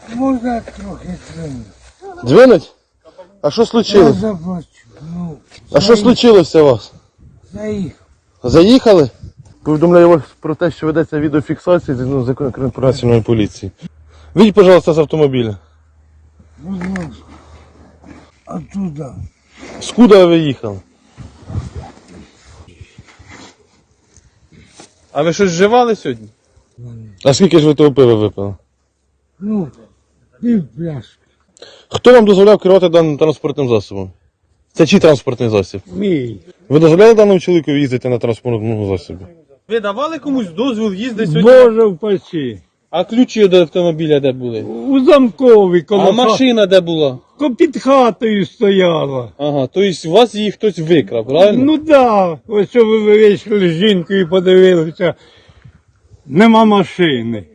Можна трохи дзвонити. Дзвонить? А що Я случилось? заплачу. Ну, А що случилося у вас? заїхав. Заїхали? Повідомляю вас про те, що ведеться відеофіксація з закону про національної поліції. Вийдіть, пожалуйста, з автомобіля. Будь ласка. Оттуда. Скуда ви їхали? А ви щось вживали сьогодні? А скільки ж ви того пива випили? Ну, пів пляшки. Хто вам дозволяв керувати даним транспортним засобом? Це чий транспортний засіб? Мій. Ви дозволяли даному чоловіку їздити на транспортному засобі? Ви давали комусь дозвіл їздити сьогодні? Боже впаси. А ключі до автомобіля де були? У замкові коло А машина де була? під хатою стояла. Ага, тобто у вас її хтось викрав, правильно? Ну да, ось що ви вийшли з жінкою і подивилися, нема машини.